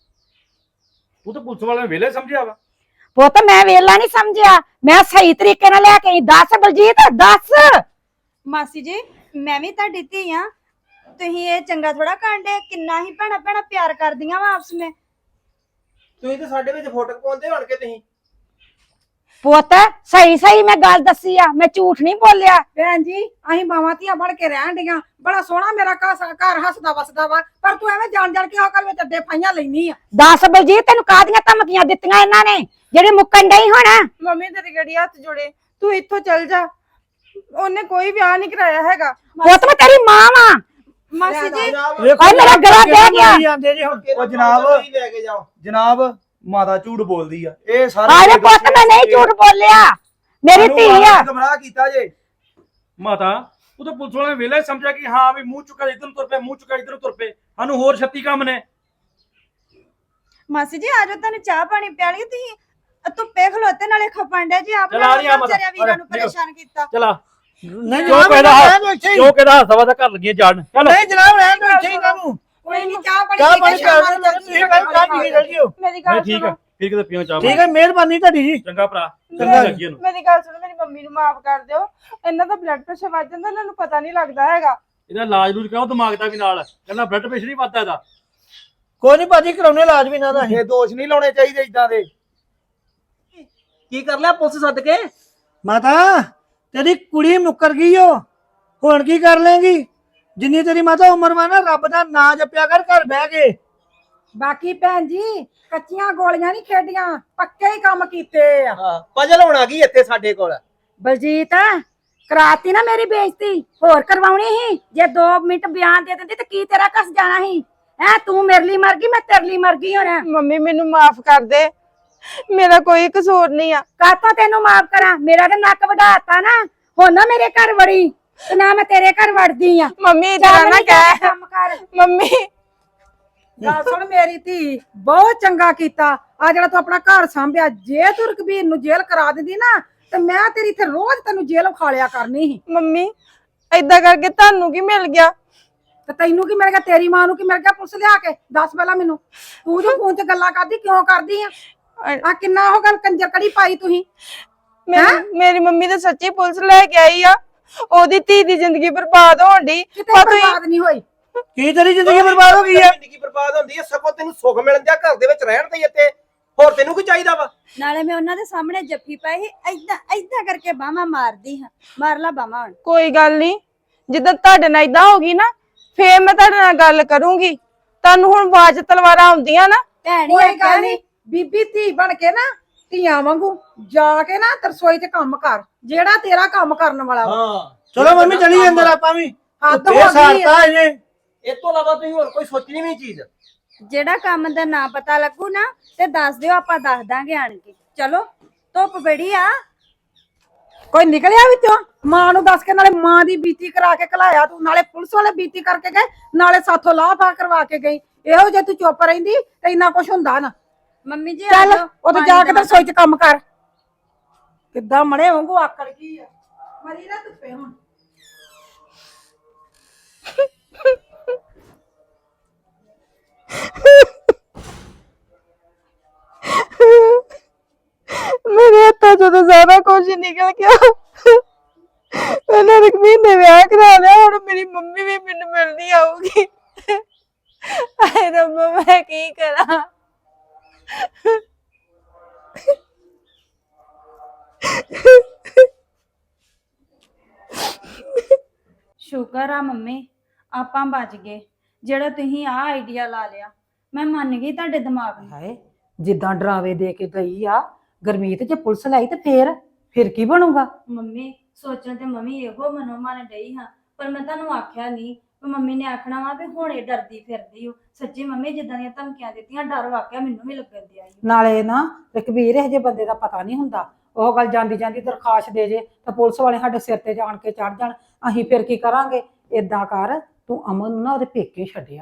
S4: ਤੂੰ ਤਾਂ ਪੁਲਿਸ ਵਾਲਿਆਂ ਨੇ ਵੇਲੇ ਸਮਝਿਆ ਵਾ।
S5: ਪੁੱਤ ਮੈਂ ਵੇਲਾ ਨਹੀਂ ਸਮਝਿਆ, ਮੈਂ ਸਹੀ ਤਰੀਕੇ ਨਾਲ ਲੈ ਕੇ ਆਈ। ਦੱਸ ਬਲਜੀਤ ਦੱਸ।
S6: ਮਾਸੀ ਜੀ ਮੈਂ ਵੀ ਤੁਹਾਡੀ ਧੀ ਆ, ਤੁਸੀਂ ਇਹ ਚੰਗਾ ਥੋੜਾ ਕਾਂਡੇ, ਕਿੰਨਾ ਹੀ ਭੈਣਾ ਭੈਣਾ ਪਿਆਰ ਕਰਦੀਆਂ ਵਾ ਆਪਸ ਵਿੱਚ। ਤੁਸੀਂ ਤਾਂ ਸਾਡੇ ਵਿੱਚ ਫੋਟੋ ਪਾਉਂਦੇ ਹੋਣ ਕੇ ਤੁਸੀਂ।
S5: ਪੁੱਤ ਸਹੀ ਸਹੀ ਮੈਂ ਗੱਲ ਦੱਸੀ ਆ, ਮੈਂ ਝੂਠ ਨਹੀਂ ਬੋਲਿਆ।
S1: ਭੈਣ ਜੀ ਅਸੀਂ ਮਾਵਾਂ ਧੀਆਂ ਬਣ ਕੇ ਰਹਿਣ ਡੀਆਂ, ਬੜਾ ਸੋਹਣਾ ਮੇਰਾ ਘਰ ਹੱਸਦਾ ਵਸਦਾ ਵਾ, ਪਰ ਤੂੰ ਐਵੇਂ ਜਾਣ ਜਾਣ ਕੇ ਅਕਲ ਵਿੱਚ ਅੱਡੇ ਪਾਈਆਂ ਲੈਣੀ ਆ।
S5: ਦੱਸ ਬਲਜੀਤ ਤੈਨੂੰ ਕਾਹਦੀਆਂ ਧਮਕੀਆਂ ਦਿੱਤੀਆਂ ਇਹਨਾਂ ਨੇ ਜਿਹੜੇ ਮੁੱਕਣ ਡਈ ਹੁਣ?
S7: ਮੰਮੀ ਤੇਰੇ ਗੜੀ ਹੱਥ ਜੋੜੇ, ਤੂੰ ਇੱਥੋਂ ਚੱਲ ਜਾ। ਉਹਨੇ ਕੋਈ ਵਿਆਹ ਨਹੀਂ ਕਰਾਇਆ ਹੈਗਾ।
S5: ਪੁੱਤ ਮੈਂ ਤੇਰੀ ਮਾਂ ਵਾਂ।
S6: ਮਾਸੀ ਜੀ
S2: ਵੇਖੋ
S5: ਓਏ ਮੇਰਾ ਗਲਾ ਬਹਿ ਗਿਆ।
S2: ਜਾਂਦੇ ਜੀ ਹੁਣ।
S4: ਉਹ ਜਨਾਬ
S6: ਲੈ ਕੇ ਜਾਓ।
S4: ਜਨਾਬ ਮਾਤਾ ਝੂਠ ਬੋਲਦੀ ਆ। ਇਹ ਸਾਰੇ
S5: ਆਰੇ ਪੁੱਤ ਮੈਂ ਨਹੀਂ ਝੂਠ ਬੋਲਿਆ, ਮੇਰੀ ਧੀ ਆ।
S4: ਗਮਰਾਹ ਕੀਤਾ ਜੇ ਮਾਤਾ। ਉਹ ਤਾਂ ਪੁਲਿਸ ਵਾਲਿਆਂ ਨੇ ਵੇਲੇ ਸਮਝਿਆ ਕਿ ਹਾਂ ਵੀ ਮੂੰਹ ਚੁੱਕਾ ਇਧਰ ਨੂੰ ਤੁਰ ਪਏ, ਮੂੰਹ ਚੁੱਕਾ ਇਧਰ ਨੂੰ ਤੁਰ ਪਏ। ਸਾਨੂੰ ਹੋਰ 36 ਕੰਮ ਨੇ।
S6: ਮਾਸੀ ਜੀ ਆਜੋ ਤੁਹਾਨੂੰ ਚਾਹ ਪਾਣੀ ਪਿਆ ਲਈ, ਤੁਸੀਂ ਧੁੱਪੇ ਖਲੋਤੇ ਨਾਲੇ ਖਪਣ ਡੇ ਜੀ। ਆਪ
S4: ਚੱਲ ਆ ਰਹੀ ਆ ਮਾਤਾ।
S6: ਵਿਚਾਰਿਆਂ ਵੀਰਾਂ ਨੂੰ ਪਰੇਸ਼ਾਨ ਕੀਤਾ।
S4: ਚਲਾ
S2: ਨਹੀਂ
S4: ਕਿਉਂ
S2: ਜਨਾਬ
S4: ਕਹਿਦਾ
S2: ਰਹਿਣ ਦਿਓ ਇੱਥੇ ਹੀ।
S4: ਕਿਉਂ ਕਹਿਦਾ ਹਸਵਾ ਦਾ ਘਰ ਲੱਗੀਆਂ ਜਾਣ। ਚੱਲ
S2: ਨਹੀਂ ਜਨਾਬ ਰਹਿਣ ਦਿਓ ਇੱਥੇ ਹੀ ਇਹਨਾਂ ਨੂੰ।
S1: ਕੋਈ ਨਹੀਂ ਚਾਹ
S2: ਚਾਹ
S1: ਪਾਣੀ
S2: ਪਾਣੀ ਕਰ ਦਿਓ, ਤੁਸੀਂ ਪਹਿਲਾਂ ਚਾਹ ਪੀ ਕੇ ਚੱਲ ਜਿਓ।
S7: ਮੇਰੀ
S4: ਮੈਂ
S7: ਗੱਲ
S4: ਠੀਕ ਆ,
S7: ਸੁਣੋ,
S4: ਫਿਰ ਕਿਤੇ ਪੀਓ ਚਾਹ।
S2: ਠੀਕ ਹੈ, ਮਿਹਰਬਾਨੀ ਤੁਹਾਡੀ ਜੀ।
S4: ਚੰਗਾ ਭਰਾ,
S2: ਚੰਗਾ
S4: ਚੰਗਾ ਲੱਗੀ ਉਹਨੂੰ।
S7: ਮੇਰੀ ਗੱਲ ਸੁਣੋ, ਮੇਰੀ ਮੰਮੀ ਨੂੰ ਮਾਫ ਕਰ ਦਿਓ। ਇਹਨਾਂ ਦਾ ਬਲੱਡ ਪ੍ਰੈਸ਼ਰ ਵੱਧ ਜਾਂਦਾ, ਇਹਨਾਂ ਨੂੰ ਪਤਾ ਨਹੀਂ ਲੱਗਦਾ ਹੈਗਾ।
S4: ਇਹਦਾ ਇਲਾਜ ਲੂਜ ਕਰਾਓ, ਦਿਮਾਗ ਦਾ ਵੀ ਨਾਲ। ਕਹਿੰਦਾ ਬਲੱਡ ਪ੍ਰੈਸ਼ਰ ਨਹੀਂ ਵੱਧਦਾ ਇਹਦਾ।
S2: ਕੋਈ ਨਹੀਂ ਭਾਜੀ, ਕਰਾਉਣੇ ਇਲਾਜ ਵੀ ਇਹਨਾਂ ਦਾ ਅਸੀਂ।
S4: ਇਹ ਦੋਸ਼ ਨਹੀਂ ਲਾਉਣੇ ਚਾਹੀਦੇ ਇਦਾਂ ਦੇ।
S6: ਕੀ ਕਰ ਲਿਆ ਪੁਲਿਸ ਸੱਦ ਕੇ?
S2: ਮਾਤਾ ਤੇਰੀ ਕੁੜੀ ਮੁੱਕਰ ਗਈ ਓ, ਹੁਣ ਕੀ ਕਰ ਲੇਂਗੀ? ਜਿੰਨੀ ਤੇਰੀ ਮਾਤਾ ਉਮਰ ਵਾ ਨਾ, ਰੱਬ ਦਾ ਨਾਂ ਜਪਿਆ ਕਰ ਘਰ ਬਹਿ ਕੇ।
S1: ਬਾਕੀ ਭੈਣ ਜੀ ਕੱਚੀਆਂ ਗੋਲੀਆਂ ਨਹੀਂ ਖੇਡੀਆਂ, ਪੱਕੇ ਹੀ ਕੰਮ ਕੀਤੇ ਆ।
S6: ਪਜਲ ਹੋਣਾ ਕੀ ਇੱਥੇ ਸਾਡੇ ਕੋਲ।
S5: ਬਲਜੀਤ ਕਰਾਤੀ ਨਾ ਮੇਰੀ ਬੇਇੱਜ਼ਤੀ, ਹੋਰ ਕਰਵਾਉਣੀ ਸੀ? ਜੇ 2 ਮਿੰਟ ਬਿਆਨ ਦੇ ਦਿੰਦੀ ਤੇ ਕੀ ਤੇਰਾ ਕਸ ਜਾਣਾ ਸੀ? ਹੈ ਤੂੰ ਮੇਰੇ ਲਈ ਮਰ ਗਈ, ਮੈਂ ਤੇਰੇ ਲਈ ਮਰ ਗਈ ਹੁਣ।
S7: ਮੰਮੀ ਮੈਨੂੰ ਮਾਫ ਕਰ ਦੇ, ਮੇਰਾ ਕੋਈ ਕਸੂਰ ਨਹੀਂ ਆ।
S5: ਕਾਹਤੋਂ ਤੈਨੂੰ ਮਾਫ ਕਰਾਂ? ਮੇਰਾ ਤਾਂ ਨੱਕ ਵਢਾਤਾ ਨਾ, ਹੁਣ ਨਾ ਮੇਰੇ ਘਰ ਵੜੀ ਤੇ ਨਾ ਮੈਂ ਤੇਰੇ ਘਰ ਵੜਦੀ ਆ।
S7: ਮੰਮੀ ਇਦਾਂ ਨਾ ਕਹਿ।
S5: ਕੰਮ ਕਰ।
S7: ਮੰਮੀ
S1: ਗੱਲ ਸੁਣ ਮੇਰੀ ਧੀ, ਬਹੁਤ ਚੰਗਾ ਕੀਤਾ ਆ ਜਿਹੜਾ ਤੂੰ ਆਪਣਾ ਘਰ ਸੰਭਿਆ। ਜੇ ਤੂੰ ਰਕਬੀਰ ਨੂੰ ਜੇਲ੍ਹ ਕਰਾ ਦਿੰਦੀ ਨਾ ਤੇ ਮੈਂ ਤੇਰੀ ਇੱਥੇ ਰੋਜ਼ ਤੈਨੂੰ ਜੇਲ੍ਹ ਖਾਲਿਆ ਕਰਨੀ ਸੀ।
S7: ਮੰਮੀ ਏਦਾਂ ਕਰਕੇ ਤੁਹਾਨੂੰ ਕੀ ਮਿਲ ਗਿਆ?
S1: ਤੇ ਤੈਨੂੰ ਕੀ ਮਿਲ ਗਿਆ? ਤੇਰੀ ਮਾਂ ਨੂੰ ਕੀ ਮਿਲ ਗਿਆ? ਪੁਲਿਸ ਲਿਆ ਕੇ ਦੱਸ ਪਹਿਲਾਂ ਮੈਨੂੰ। ਤੂੰ ਜੋ ਫੋਨ ਤੇ ਗੱਲਾਂ ਕਰਦੀ ਕਿਉਂ ਕਰਦੀ ਆ? ਆ ਕਿੰਨਾ ਉਹ ਗੱਲ ਕੰਜਰ ਕੜੀ ਪਾਈ ਤੁਸੀਂ।
S7: ਮੇਰੀ ਮੰਮੀ ਤਾਂ ਸੱਚੀ ਪੁਲਿਸ ਲੈ ਕੇ ਆਈ ਆ, ਉਹਦੀ ਧੀ ਦੀ ਜ਼ਿੰਦਗੀ ਬਰਬਾਦ ਹੋਣ ਦੀ।
S1: ਕਿਤੇ ਬਰਬਾਦ ਨਹੀਂ ਹੋਈ।
S2: ਕੀ ਤੇਰੀ ਜ਼ਿੰਦਗੀ ਬਰਬਾਦ ਹੋ ਗਈ ਆ?
S8: ਜ਼ਿੰਦਗੀ ਬਰਬਾਦ ਹੁੰਦੀ ਹੈ, ਸਗੋਂ ਤੈਨੂੰ ਸੁੱਖ ਮਿਲਣ ਦਿਆ ਘਰ ਦੇ ਵਿੱਚ ਰਹਿਣ ਦੇ ਇੱਥੇ, ਹੋਰ ਤੈਨੂੰ ਕੀ ਚਾਹੀਦਾ ਵਾ?
S6: ਨਾਲੇ ਮੈਂ ਉਹਨਾਂ ਦੇ ਸਾਹਮਣੇ ਜੱਫੀ ਪਾਈ ਸੀ, ਏਦਾਂ ਕਰਕੇ ਬਾਹਾਂ ਮਾਰਦੀ ਹਾਂ। ਮਾਰ ਲਾ ਬਾਹਾਂ ਹੁਣ।
S7: ਕੋਈ ਗੱਲ ਨਹੀਂ, ਜਿੱਦਾਂ ਤੁਹਾਡੇ ਨਾਲ ਇਦਾਂ ਹੋ ਗਈ ਨਾ, ਫੇਰ ਮੈਂ ਤੁਹਾਡੇ ਨਾਲ ਗੱਲ ਕਰੂੰਗੀ। ਤੁਹਾਨੂੰ ਹੁਣ ਬਾਜ ਤਲਵਾਰਾਂ ਆਉਂਦੀਆਂ ਨਾ।
S6: ਭੈਣੀ
S1: ਕੋਈ ਗੱਲ ਨਹੀਂ, ਬੀਬੀ ਧੀ ਬਣ ਕੇ ਨਾ ਧੀਆਂ ਵਾਂਗੂ ਜਾ ਕੇ ਨਾ ਰਸੋਈ 'ਚ ਕੰਮ ਕਰ, ਜਿਹੜਾ ਤੇਰਾ ਕੰਮ ਕਰਨ ਵਾਲਾ ਵਾ।
S8: ਹਾਂ
S2: ਚਲੋ ਮੰਮੀ ਚਲੀ ਅੰਦਰ ਆਪਾਂ ਵੀ।
S1: ਹੱਦ ਹੋ
S2: ਇਹ
S1: ਗਈ ਆ।
S2: ਸਾਰਤਾ ਇਹਨੇ।
S8: ਇਹ ਤੋਂ ਇਲਾਵਾ ਤੁਸੀਂ ਹੋਰ ਕੋਈ ਸੋਚਣੀ ਵੀ ਨਹੀਂ ਚੀਜ਼।
S6: ਜਿਹੜਾ ਕੰਮ ਦਾ ਨਾ ਪਤਾ ਲੱਗੂ ਨਾ ਤੇ ਦੱਸ ਦਿਓ, ਆਪਾਂ ਦੱਸ ਦਾਂਗੇ ਆਣ ਕੇ। ਚਲੋ ਧੁੱਪ ਬੜੀ ਆ।
S1: ਕੋਈ ਨਿਕਲਿਆ ਵਿੱਚੋਂ? ਮਾਂ ਨੂੰ ਦੱਸ ਕੇ ਨਾਲੇ ਮਾਂ ਦੀ ਬੀਤੀ ਕਰਾ ਕੇ ਘਲਾਇਆ ਤੂੰ, ਨਾਲੇ ਪੁਲਿਸ ਵਾਲੇ ਬੀਤੀ ਕਰਕੇ ਗਏ, ਨਾਲੇ ਸਾਥੋਂ ਲਾਫਾ ਕਰਵਾ ਕੇ ਗਈ। ਇਹੋ ਜੇ ਤੂੰ ਚੁੱਪ ਰਹਿੰਦੀ ਤੇ ਇੰਨਾ ਕੁਛ ਹੁੰਦਾ ਨਾ।
S6: ਮੰਮੀ ਜੀ
S1: ਚੱਲ
S6: ਆ ਜਾਓ,
S1: ਉੱਥੇ ਜਾ ਕੇ ਤੇ ਰਸੋਈ 'ਚ ਕੰਮ ਕਰ। ਕਿੱਦਾਂ ਮੜੇ ਵਾਂਗੂ ਆਕੜ ਗਈ ਆ। ਮਰੀ ਨਾ ਧੁੱਪੇ ਹੁਣ।
S7: ਮੇਰੇ ਹੱਥਾਂ ਚੋਂ ਤਾਂ ਸਾਰਾ ਕੁਝ ਨਿਕਲ ਗਿਆ। ਪਹਿਲਾਂ ਰਕਮੀਨ ਨੇ ਵਿਆਹ ਕਰਾ ਲਿਆ, ਹੁਣ ਮੇਰੀ ਮੰਮੀ ਵੀ ਮੈਨੂੰ ਮਿਲਣੀ ਆਊਗੀ। ਹਾਏ ਰੱਬਾ, ਮੈਂ ਕੀ ਕਰਾਂ?
S6: ਸ਼ੁਕਰ ਆ ਮੰਮੀ ਆਪਾਂ ਬਚ ਗਏ। ਜਿਹੜਾ ਤੁਸੀਂ ਆ ਆਈਡੀਆ ਲਾ ਲਿਆ, ਮੈਂ ਮੰਨ ਗਈ ਤੁਹਾਡੇ ਦਿਮਾਗ ਨੂੰ।
S1: ਹਾਏ ਜਿੱਦਾਂ ਡਰਾਵੇ ਦੇ ਕੇ ਗਈ ਆ ਗਰਮੀਤ, ਜੇ ਪੁਲਿਸ ਲਈ ਤੇ ਫਿਰ ਕੀ ਬਣੂਗਾ?
S6: ਮੰਮੀ ਸੋਚਣ ਤੇ ਮੰਮੀ ਇਹੋ ਮਨੋਂ ਮਨ ਡਈ ਹਾਂ, ਪਰ ਮੈਂ ਤੁਹਾਨੂੰ ਆਖਿਆ ਨਹੀਂ। ਮੰਮੀ ਨੇ ਆਖਣਾ ਵਾ ਵੀ ਹੁਣੇ ਡਰਦੀ ਫਿਰਦੀ ਹੋ। ਸੱਚੀ ਮੰਮੀ ਜਿੱਦਾਂ ਦੀਆਂ ਧਮਕੀਆਂ ਦਿੱਤੀਆਂ, ਡਰ ਵਾਕਿਆ ਮੈਨੂੰ ਵੀ ਲੱਗਣ ਦਿਆ ਈ।
S1: ਨਾਲੇ ਨਾ ਰਘਬੀਰ, ਇਹ ਜੇ ਬੰਦੇ ਦਾ ਪਤਾ ਨਹੀਂ ਹੁੰਦਾ। ਉਹ ਗੱਲ ਜਾਂਦੀ ਜਾਂਦੀ ਦਰਖਾਸਤ ਦੇ ਜੇ ਤਾਂ ਪੁਲਿਸ ਵਾਲੇ ਸਾਡੇ ਸਿਰ ਤੇ ਜਾਣ ਕੇ ਚੜ ਜਾਣ, ਅਸੀਂ ਫਿਰ ਕੀ ਕਰਾਂਗੇ? ਏਦਾਂ ਕਰ, ਤੂੰ ਅਮਨ ਨੂੰ ਨਾ ਉਹਦੇ ਪੇਕੇ ਛੱਡਿਆ।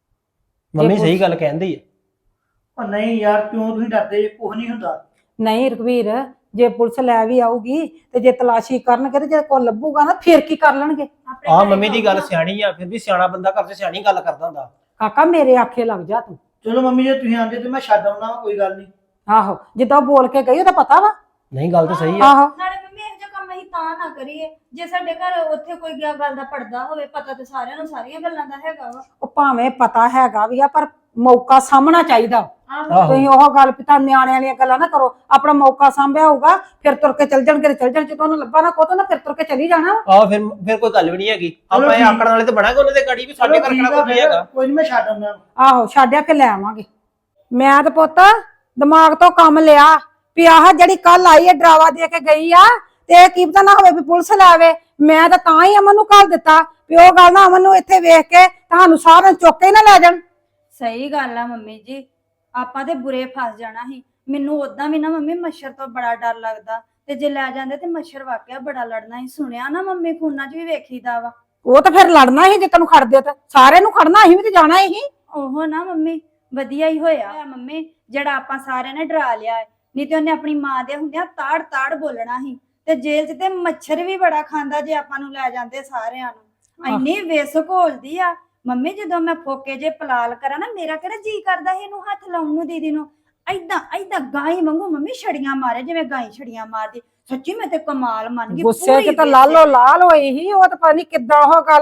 S8: ਮੰਮੀ ਸਹੀ ਗੱਲ ਕਹਿੰਦੀ ਹੈ।
S2: ਉਹ ਨਹੀਂ ਯਾਰ, ਕਿਉਂ ਤੁਸੀਂ ਡਰਦੇ? ਕੁਝ ਨਹੀਂ ਹੁੰਦਾ।
S1: ਨਹੀਂ ਰਘਬੀਰ, ਜੇ ਪੁਲਿਸ ਲੈ ਵੀ ਆਊਗੀ ਤੇ ਜੇ ਤਲਾਸ਼ੀ ਕਰਨਗੇ ਤੇ ਜੇ ਕੋਈ ਲੱਭੂਗਾ ਨਾ, ਫਿਰ ਕੀ ਕਰ ਲੈਣਗੇ?
S8: ਆਹ ਮੰਮੀ ਦੀ ਗੱਲ ਸਿਆਣੀ ਆ, ਫਿਰ ਵੀ ਸਿਆਣਾ ਬੰਦਾ ਘਰ 'ਚ ਸਿਆਣੀ ਗੱਲ ਕਰਦਾ ਹੁੰਦਾ।
S1: ਕਾਕਾ ਮੇਰੇ ਆਖੇ ਲੱਗ ਜਾ ਤੂੰ।
S2: ਚਲੋ ਮੰਮੀ ਜੇ ਤੁਸੀਂ ਆਂਦੇ ਤੇ ਮੈਂ ਛੱਡ ਆਉਣਾ, ਕੋਈ ਗੱਲ ਨਹੀਂ।
S1: ਆਹੋ, ਜਿੱਦਾਂ ਬੋਲ ਕੇ ਗਈ ਉਹਦਾ ਪਤਾ ਵਾ।
S8: ਨਹੀਂ ਗੱਲ ਤਾਂ ਸਹੀ ਆ।
S1: ਆਹੋ,
S6: ਨਾਲੇ ਮੰਮੀ ਇਹੋ ਜਿਹਾ ਕੰਮ ਅਸੀਂ ਤਾਂ ਨਾ ਕਰੀਏ, ਜੇ ਸਾਡੇ ਘਰ ਉੱਥੇ ਕੋਈ ਗੱਲ ਦਾ ਪਰਦਾ ਹੋਵੇ। ਪਤਾ ਤੇ ਸਾਰਿਆਂ ਨੂੰ ਸਾਰੀਆਂ ਗੱਲਾਂ ਦਾ ਹੈਗਾ ਵਾ।
S1: ਉਹ ਭਾਵੇਂ ਪਤਾ ਹੈਗਾ ਵੀ ਆ, ਪਰ ਮੌਕਾ ਸਾਹਮਣਾ ਚਾਹੀਦਾ।
S8: ਆਹੋ।
S1: ਤੁਸੀਂ ਉਹ ਗੱਲ ਪਿਤਾ ਨਿਆਣਿਆਂ ਵਾਲੀਆਂ ਗੱਲਾਂ ਨਾ ਕਰੋ। ਆਪਣਾ ਮੌਕਾ ਸਾਂਭਿਆ ਹੋਊਗਾ, ਫਿਰ ਤੁਰ ਕੇ ਚੱਲ ਜਾਣਗੇ। ਚੱਲ ਜਾਣ, ਜਦੋਂ ਉਹਨੂੰ ਲੱਭਾ ਨਾ ਕੋਤੋਂ ਨਾ, ਫਿਰ ਤੁਰ ਕੇ ਚਲੀ ਜਾਣਾ।
S8: ਆਹ ਫਿਰ ਕੋਈ ਗੱਲ ਵੀ ਨਹੀਂ ਹੈਗੀ। ਆਪਾਂ ਇਹ ਆਕੜਨ ਵਾਲੇ ਤੇ ਬਣਾਂਗੇ ਉਹਨਾਂ ਦੇ ਗਾੜੀ ਵੀ, ਸਾਡੇ ਘਰ ਕਿਹੜਾ ਕੋਈ ਹੈਗਾ।
S2: ਕੋਈ ਨਹੀਂ, ਮੈਂ ਛੱਡ ਆਉਣਾ।
S1: ਆਹੋ, ਛੱਡਿਆ ਕੇ ਲੈ ਆਵਾਂਗੇ। ਮੈਂ ਤੇ ਪੁੱਤ ਦਿਮਾਗ ਤੋਂ ਕੰਮ ਲਿਆ ਵੀ ਆਹ ਜਿਹੜੀ ਕੱਲ ਆਈ ਹੈ ਡਰਾਵਾ ਦੇ ਕੇ ਗਈ ਆ, ਤੇ ਇਹ ਕੀ ਪਤਾ ਨਾ ਹੋਵੇ ਵੀ ਪੁਲਿਸ ਲੈ ਆਵੇ। ਮੈਂ ਤਾਂ ਹੀ ਅਮਨ ਨੂੰ ਘੱਲ ਦਿੱਤਾ ਵੀ ਉਹ ਗੱਲ ਨਾ ਅਮਨ ਨੂੰ ਇੱਥੇ ਵੇਖ ਕੇ ਤੁਹਾਨੂੰ ਸਾਰਿਆਂ ਨੂੰ ਚੁੱਕ ਕੇ ਨਾ ਲੈ ਜਾਣ।
S6: ਸਹੀ ਗੱਲ ਆ ਮੰਮੀ ਜੀ, ਆਪਾਂ ਤੇ ਬੁਰੇ ਫਸ ਜਾਣਾ ਸੀ। ਮੈਨੂੰ ਉਦਾਂ ਵੀ ਨਾ ਮੰਮੀ ਮੱਛਰ ਤੋਂ ਬੜਾ ਡਰ ਲੱਗਦਾ, ਤੇ ਜੇ ਲੈ ਜਾਂਦੇ ਤੇ ਮੱਛਰ ਵਾਕਿਆ ਬੜਾ ਲੜਨਾ ਸੀ। ਸੁਣਿਆ ਨਾ ਮੰਮੀ ਫੋਨਾਂ 'ਚ ਵੀ ਵੇਖੀਦਾ ਵਾ।
S1: ਉਹ ਤਾਂ ਫਿਰ ਲੜਨਾ ਸੀ, ਜੇ ਤੈਨੂੰ ਖੜਦੇ ਤਾਂ ਸਾਰਿਆਂ ਨੂੰ ਖੜਨਾ, ਅਸੀਂ ਵੀ ਤੇ ਜਾਣਾ ਹੀ।
S6: ਉਹ ਨਾ ਮੰਮੀ ਵਧੀਆ ਹੀ ਹੋਇਆ ਮੰਮੀ, ਜਿਹੜਾ ਆਪਾਂ ਸਾਰਿਆਂ ਨੇ ਡਰਾ ਲਿਆ ਹੈ। ਨਹੀਂ ਤੇ ਉਹਨੇ ਆਪਣੀ ਮਾਂ ਦੇ ਹੁੰਦਿਆਂ ਤਾੜ ਤਾੜ ਬੋਲਣਾ ਸੀ। ਤੇ ਜੇਲ੍ਹ 'ਚ ਤੇ ਮੱਛਰ ਵੀ ਬੜਾ ਖਾਂਦਾ ਜੇ ਆਪਾਂ ਨੂੰ ਲੈ ਜਾਂਦੇ ਸਾਰਿਆਂ ਨੂੰ। ਇੰਨੀ ਵੇਸਕ ਹੋਲਦੀ ਆ ਮੰਮੀ, ਜਦੋਂ ਮੈਂ ਫੋਕੇ ਜੇ ਪਲਾਲ ਕਰਾਂ ਨਾ, ਮੇਰਾ ਕਿਹੜਾ ਜੀ ਕਰਦਾ ਸੀ ਇਹਨੂੰ ਹੱਥ ਲਾਉਣ ਨੂੰ, ਦੀਦੀ ਨੂੰ। ਏਦਾਂ ਗਾਈ ਵਾਂਗੂ ਮੰਮੀ ਛੜੀਆਂ ਮਾਰੇ, ਜਿਵੇਂ ਗਾਈ ਛੜੀਆਂ ਮਾਰਦੀ। ਸੱਚੀ ਮੈਂ ਤੇ ਕਮਾਲ ਮੰਨ ਗਈ।
S1: ਗੁੱਸੇ 'ਚ ਤਾਂ ਲਾਲੋ ਲਾਲ ਹੋਈ ਸੀ ਉਹ, ਤਾਂ ਪਤਾ ਨਹੀਂ ਕਿੱਦਾਂ ਉਹ ਗੱਲ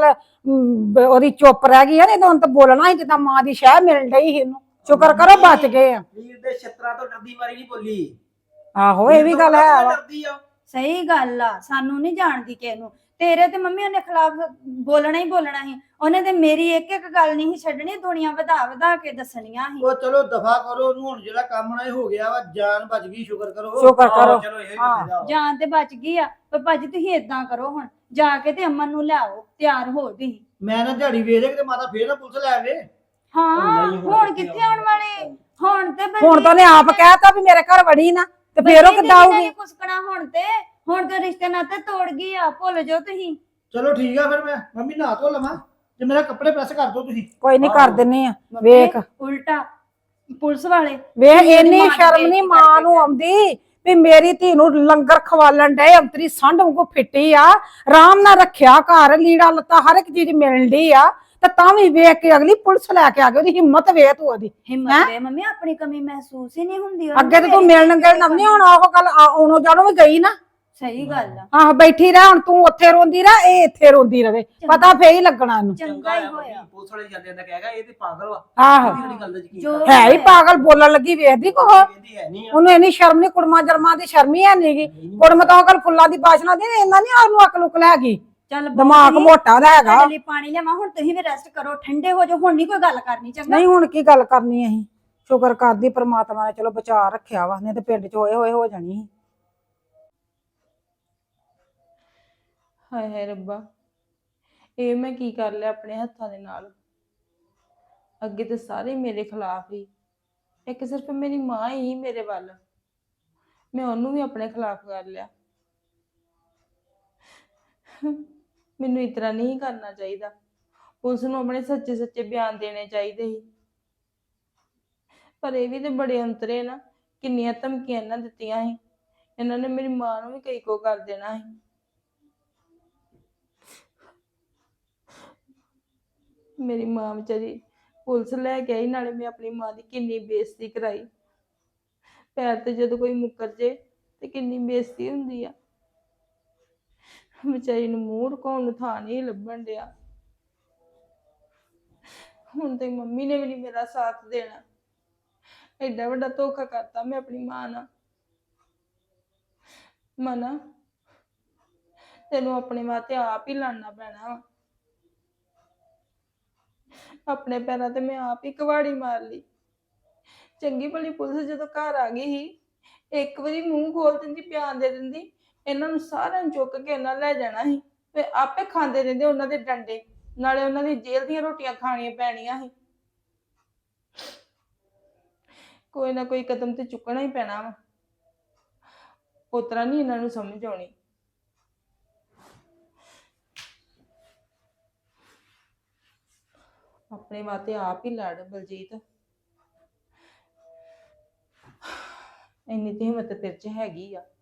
S1: ਉਹਦੀ ਚੁੱਪ ਰਹਿ ਗਈ ਆ। ਨਹੀਂ ਤਾਂ ਹੁਣ ਤਾਂ ਬੋਲਣਾ ਸੀ ਜਿੱਦਾਂ ਮਾਂ ਦੀ ਸ਼ਹਿ ਮਿਲ ਰਹੀ ਸੀ ਇਹਨੂੰ। ਸ਼ੁਕਰ ਕਰੋ ਬਚ ਗਏ ਆ।
S8: ਵੀਰ ਦੇ ਛਿੱਤਰਾਂ ਤੋਂ ਡਰਦੀ ਮਾਰੀ ਨਹੀਂ ਬੋਲੀ।
S1: ਆਹੋ, ਇਹ ਵੀ ਗੱਲ ਹੈ ਵਾ।
S8: ਡਰਦੀ ਆ।
S6: ਸਹੀ ਗੱਲ ਆ, ਸਾਨੂੰ ਨਹੀਂ ਜਾਣਦੀ ਕਿਸੇ ਨੂੰ। ਤੇਰੇ ਤੇ ਮੰਮੀ ਉਹਨੇ ਖਿਲਾਫ ਬੋਲਣਾ ਹੀ ਬੋਲਣਾ ਸੀ। ਉਹਨੇ ਤੇ ਮੇਰੀ ਇੱਕ ਇੱਕ ਗੱਲ ਨਹੀਂ ਸੀ ਛੱਡਣੀ, ਦੁਨੀਆ ਵਧਾ ਕੇ ਦੱਸਣੀਆਂ ਸੀ।
S2: ਉਹ ਚਲੋ ਦਫਾ ਕਰੋ ਉਹਨੂੰ, ਹੁਣ ਜਿਹੜਾ ਕੰਮ ਨਾ ਇਹ ਹੋ ਗਿਆ ਵਾ, ਜਾਨ ਬਚ ਗਈ, ਸ਼ੁਕਰ ਕਰੋ।
S1: ਸ਼ੁਕਰ ਕਰੋ।
S8: ਚਲੋ ਇਹ
S1: ਹਾਂ।
S6: ਜਾਨ ਤੇ ਬਚ ਗਈ ਆ, ਪਰ ਭਾਜੀ ਤੁਸੀਂ ਏਦਾਂ ਕਰੋ, ਹੁਣ ਜਾ ਕੇ ਤੇ ਅਮਨ ਨੂੰ ਲਿਆਓ, ਤਿਆਰ ਹੋ ਤੁਸੀਂ।
S2: ਮੈਂ ਨਾ ਝਾੜੀ ਵੇਚ ਦੇ, ਕਿਤੇ ਮਾਤਾ ਫੇਰ ਨਾ ਪੁਲਿਸ ਲੈ ਆਵੇ।
S6: ਹਾਂ, ਹੁਣ ਕਿੱਥੇ ਆਉਣ ਵਾਲੇ? ਹੁਣ ਤੇ
S1: ਹੁਣ ਤਾਂ ਉਹਨੇ ਆਪ ਕਹਿਤਾ ਵੀ ਮੇਰੇ ਘਰ ਵੜੀ ਨਾ, ਤੇ ਫੇਰ ਉਹ ਕਿੱਦਾਂ ਆਊਗੀ?
S6: ਕੁਸਕਣਾ ਹੁਣ ਤੇ ਰਿਸ਼ਤੇ ਨਾਤੇ ਤੋੜ ਗਈ ਆ, ਭੁੱਲ ਜਾਓ ਤੁਸੀਂ।
S2: ਚਲੋ ਠੀਕ ਆ, ਫਿਰ ਮੈਂ ਮੰਮੀ ਨਹਾ ਧੋ ਲਵਾਂ ਤੇ ਮੇਰਾ ਕੱਪੜੇ ਪ੍ਰੈਸ ਕਰ ਦਿਓ ਤੁਸੀਂ।
S1: ਕੋਈ ਨਹੀਂ ਕਰ ਦਿੰਨੇ ਆ। ਵੇਖ
S6: ਉਲਟਾ ਪੁਲਿਸ ਵਾਲੇ
S1: ਵੇਖ,
S6: ਮੇਰੀ
S1: ਇੰਨੀ
S6: ਮਾਂ ਦੀ
S1: ਸ਼ਰਮ ਨਹੀਂ
S6: ਬੇਇੱਜ਼ਤੀ
S1: ਮਾਂ
S6: ਕਰਕੇ
S1: ਨੂੰ ਆਉਂਦੀ ਵੀ ਮੇਰੀ ਧੀ ਨੂੰ ਲੰਗਰ ਖਵਾਲਣ ਡਏ। ਅੰਤਰੀ ਸੰਢ ਵਾਂਗੂ ਫਿੱਟੀ ਆ, ਆਰਾਮ ਨਾਲ ਰੱਖਿਆ ਘਰ, ਲੀੜਾ ਲੱਤਾ ਹਰ ਇੱਕ ਚੀਜ਼ ਮਿਲਣ ਡਈ ਆ, ਤੇ ਤਾਂ ਵੀ ਵੇਖ ਕੇ ਅਗਲੀ ਪੁਲਿਸ ਲੈ ਕੇ ਆ ਗਈ। ਉਹਦੀ ਹਿੰਮਤ ਵੇਖ ਤੂੰ ਉਹਦੀ।
S6: ਹਿੰਮਤ ਵੇ ਮੰਮੀ, ਆਪਣੀ ਕਮੀ ਮਹਿਸੂਸ ਹੀ ਨਹੀਂ ਹੁੰਦੀ ਉਹਨੂੰ।
S1: ਅੱਗੇ ਤੇ ਤੂੰ
S6: ਮੇਰੀ
S1: ਮਿਲਣ ਗਿਲਣ ਨਹੀਂ ਹੁਣ ਉਹ ਗੱਲ ਉਹਨੂੰ ਜਾਣੋ ਵੀ ਗਈ ਨਾ।
S6: ਸਹੀ ਗੱਲ ਆ।
S1: ਆਹ ਬੈਠੀ ਰਹਿ ਹੁਣ, ਤੂੰ ਉੱਥੇ ਰੋਂਦੀ ਰਹਿ, ਇਹ ਇੱਥੇ ਰੋਂਦੀ ਰਵੇ, ਪਤਾ ਫੇਰ ਹੀ ਲੱਗਣਾ ਇਹਨੂੰ।
S6: ਚੰਗਾ ਹੀ ਹੋਇਆ।
S8: ਪੁਲਿਸ ਵਾਲੇ ਜਾਂਦੇ ਜਾਂਦਾ ਕਹੇਗਾ ਇਹ ਤੇ ਪਾਗਲ ਵਾ
S1: ਆਹੋ
S8: ਜਿਹੜੀ ਗੱਲ ਦਾ ਯਕੀਨ
S6: ਜੋ
S8: ਕਰਦਾ।
S1: ਹੈ ਹੀ ਪਾਗਲ, ਬੋਲਣ ਲੱਗੀ ਵੇਖਦੀ ਕੋਹ
S8: ਕਹਿੰਦੀ ਹੈ ਨਹੀਂ ਆ।
S1: ਉਹਨੂੰ ਇੰਨੀ ਸ਼ਰਮ ਨਹੀਂ, ਕੁੜਮਾ ਜਰਮਾ ਦੀ ਸ਼ਰਮ ਹੀ ਹੈ ਨੀਗੀ। ਕੁੜਮ ਤਾਂ ਅਕਲ ਫੁੱਲਾਂ ਦੀ ਬਾਸ਼ਨਾ ਦੀ, ਇਹਨਾਂ ਨਹੀਂ ਉਹਨੂੰ ਅਕਲ ਉਕਲ ਹੈਗੀ,
S6: ਚੱਲ
S1: ਦਿਮਾਗ ਮੋਟਾ ਦਾ ਹੈਗਾ।
S6: ਤੁਹਾਡੇ ਲਈ ਪਾਣੀ ਲਿਆਵਾਂ, ਹੁਣ ਤੁਸੀਂ ਵੀ ਰੈਸਟ ਕਰੋ, ਠੰਡੇ ਹੋ ਜਾਓ, ਹੁਣ ਨਹੀਂ ਕੋਈ ਗੱਲ ਕਰਨੀ। ਚੰਗਾ
S1: ਨਹੀਂ ਹੁਣ ਕੀ ਗੱਲ ਕਰਨੀ ਅਸੀਂ, ਸ਼ੁਕਰ ਕਰਦੀ ਪ੍ਰਮਾਤਮਾ ਨੇ ਚਲੋ ਬਚਾ ਰੱਖਿਆ ਵਾ, ਨਹੀਂ ਤੇ ਪਿੰਡ ਚ ਹੋਏ ਹੋਏ ਹੋ ਜਾਣੀ ਸੀ।
S7: ਹਾਏ ਹਾਏ ਰੱਬਾ, ਇਹ ਮੈਂ ਕੀ ਕਰ ਲਿਆ ਆਪਣੇ ਹੱਥਾਂ ਦੇ ਨਾਲ। ਅੱਗੇ ਤੇ ਸਾਰੇ ਮੇਰੇ ਖਿਲਾਫ ਹੀ, ਇੱਕ ਸਿਰਫ ਮੇਰੀ ਮਾਂ ਹੀ ਮੇਰੇ ਵੱਲ, ਮੈਂ ਉਹਨੂੰ ਵੀ ਆਪਣੇ ਖਿਲਾਫ ਕਰ ਲਿਆ। ਮੈਨੂੰ ਇਸ ਤਰ੍ਹਾਂ ਨਹੀਂ ਕਰਨਾ ਚਾਹੀਦਾ। ਪੁਲਿਸ ਨੂੰ ਆਪਣੇ ਸੱਚੇ ਸੱਚੇ ਬਿਆਨ ਦੇਣੇ ਚਾਹੀਦੇ ਸੀ, ਪਰ ਇਹ ਵੀ ਤੇ ਬੜੇ ਅੰਤਰੇ ਨਾ। ਕਿੰਨੀਆਂ ਧਮਕੀਆਂ ਇਹਨਾਂ ਦਿੱਤੀਆਂ ਸੀ, ਇਹਨਾਂ ਨੇ ਮੇਰੀ ਮਾਂ ਨੂੰ ਵੀ ਕਈ ਕੋ ਕਰ ਦੇਣਾ ਸੀ। ਮੇਰੀ ਮਾਂ ਵਿਚਾਰੀ ਪੁਲਿਸ ਲੈ ਕੇ ਆਈ, ਨਾਲੇ ਮੈਂ ਆਪਣੀ ਮਾਂ ਦੀ ਕਿੰਨੀ ਬੇਇੱਜ਼ਤੀ ਕਰਾਈ। ਪੈਰ ਤੇ ਜਦੋਂ ਕੋਈ ਮੁੱਕਰ ਜੇ ਤੇ ਕਿੰਨੀ ਬੇਇੱਜ਼ਤੀ ਹੁੰਦੀ ਆ। ਵਿਚਾਰੀ ਨੂੰ ਮੂੰਹ ਰਕਾਉਣ ਨੂੰ ਥਾਂ ਨਹੀਂ ਲੱਭਣ ਡਿਆ। ਹੁਣ ਤੇ ਮੰਮੀ ਨੇ ਵੀ ਨਹੀਂ ਮੇਰਾ ਸਾਥ ਦੇਣਾ। ਐਡਾ ਵੱਡਾ ਧੋਖਾ ਕਰਤਾ ਮੈਂ ਆਪਣੀ ਮਾਂ ਨਾਲ। ਮਨਾ, ਤੈਨੂੰ ਆਪਣੇ ਵਾਸਤੇ ਆਪ ਹੀ ਲੜਨਾ ਪੈਣਾ ਵਾ। ਆਪਣੇ ਪੈਰਾਂ ਤੇ ਮੈਂ ਆਪ ਹੀ ਕੁਹਾੜੀ ਮਾਰ ਲਈ। ਚੰਗੀ ਭਲੀ ਪੁਲਿਸ ਜਦੋਂ ਘਰ ਆ ਗਈ ਸੀ, ਇੱਕ ਵਾਰੀ ਮੂੰਹ ਖੋਲ ਦਿੰਦੀ, ਬਿਆਨ ਦੇ ਦਿੰਦੀ, ਇਹਨਾਂ ਨੂੰ ਸਾਰਿਆਂ ਨੂੰ ਚੁੱਕ ਕੇ ਇਹਨਾਂ ਲੈ ਜਾਣਾ ਸੀ ਤੇ ਆਪੇ ਖਾਂਦੇ ਰਹਿੰਦੇ ਉਹਨਾਂ ਦੇ ਡੰਡੇ, ਨਾਲੇ ਉਹਨਾਂ ਦੀ ਜੇਲ੍ਹ ਦੀਆਂ ਰੋਟੀਆਂ ਖਾਣੀਆਂ ਪੈਣੀਆਂ ਸੀ। ਕੋਈ ਨਾ ਕੋਈ ਕਦਮ ਤੇ ਚੁੱਕਣਾ ਹੀ ਪੈਣਾ ਵਾ, ਉਸ ਤਰ੍ਹਾਂ ਨਹੀਂ ਇਹਨਾਂ ਨੂੰ ਸਮਝ ਆਉਣੀ। ਆਪਣੇ ਵਾਸਤੇ ਆਪ ਹੀ ਲੜ ਬਲਜੀਤ, ਇੰਨੀ ਤੇ ਹਿੰਮਤ ਤੇਰੇ ਚ ਹੈਗੀ ਆ।